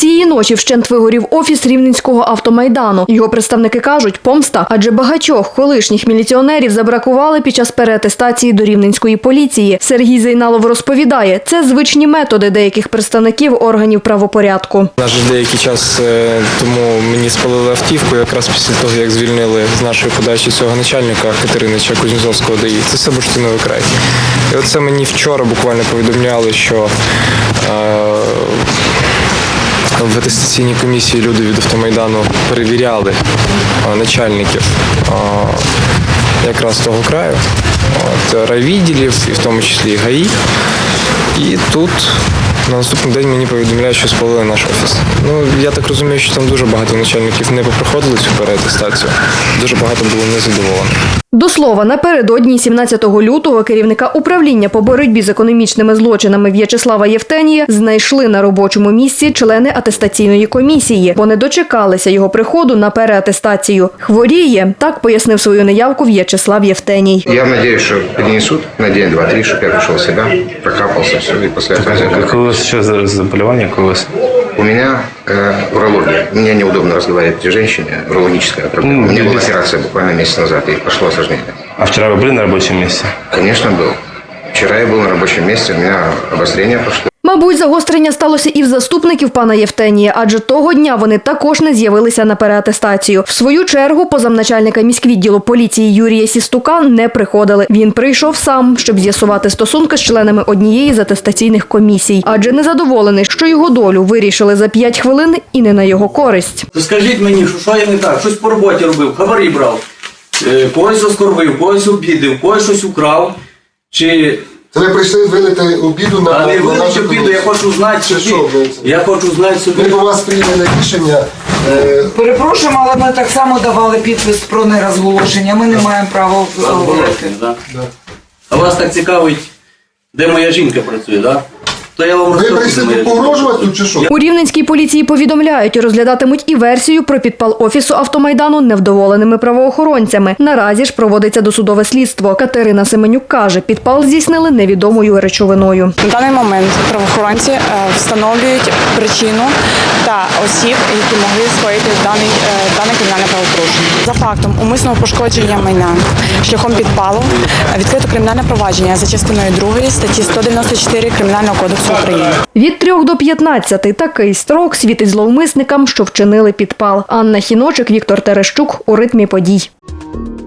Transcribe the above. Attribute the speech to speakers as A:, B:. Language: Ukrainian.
A: Цієї ночі вщент вигорів офіс Рівненського автомайдану. Його представники кажуть, помста, адже багатьох колишніх міліціонерів забракували під час переатестації до рівненської поліції. Сергій Зейналов розповідає, це звичні методи деяких представників органів правопорядку.
B: Наш деякий час тому мені спалили автівку, якраз після того, як звільнили з нашої подачі цього начальника Катеринича Кузнєцовського ДАІ. Це все бурштиновий край. І оце мені вчора буквально повідомляли, що в атестаційній комісії люди від автомайдану перевіряли начальників якраз того краю, райвідділів, і в тому числі і ГАІ. І тут на наступний день мені повідомляють, що спалили наш офіс. Я так розумію, що там дуже багато начальників не проходили цю переатестацію. Дуже багато було незадоволених.
A: До слова, напередодні 17 лютого керівника управління по боротьбі з економічними злочинами В'ячеслава Євтенія знайшли на робочому місці члени атестаційної комісії, бо не дочекалися його приходу на переатестацію. Хворіє, так пояснив свою неявку В'ячеслав Євтеній.
C: Я сподіваюся, що перенесуть на день, два, три, щоб я прийшов в себе, прокапався, все, і після цього...
D: Какое у вас сейчас заболевание?
C: У меня урология. Мне неудобно разговаривать о женщине, урологическая проблема. У меня была операция буквально месяц назад, и пошло осложнение.
D: А вчера вы были на рабочем месте?
C: Конечно, был. Вчера я был на рабочем месте, у меня обострение пошло.
A: Мабуть, загострення сталося і в заступників пана Євтенія, адже того дня вони також не з'явилися на переатестацію. В свою чергу, по замначальника міськвідділу поліції Юрія Сістука не приходили. Він прийшов сам, щоб з'ясувати стосунки з членами однієї з атестаційних комісій, адже незадоволений, що його долю вирішили за 5 хвилин і не на його користь.
E: Скажіть мені, що я не так, щось по роботі робив, хабарі брав, когось оскорбив, когось обідив, когось щось украв, чи...
F: Це ви прийшли вилити обіду на
E: нашу комісію.
F: нашу
E: обіду, я хочу знати собі. Я хочу знати собі.
F: Ми по вас прийняли рішення.
G: Перепрошуємо, але ми так само давали підпис про нерозголошення. Ми не маємо права говорити.
E: А вас так цікавить, де моя жінка працює, так? То я вам
F: Ви
E: розкажу,
F: прийшли
E: де моя
F: погрожувати тут чи що?
A: У Рівненській поліції повідомляють, розглядатимуть і версію про підпал офісу автомайдану невдоволеними правоохоронцями. Наразі ж проводиться досудове слідство. Катерина Семенюк каже, підпал здійснили невідомою речовиною.
H: На даний момент правоохоронці встановлюють причину та осіб, які могли скоїти дане кримінальне правопорушення. За фактом умисного пошкодження майна шляхом підпалу відкрито кримінальне провадження за частиною 2 статті 194 Кримінального кодексу України.
A: Від 3 до 15 такий строк світить зловмисникам, що вчинили підпал. Анна Хіночик, Віктор Терещук у ритмі подій.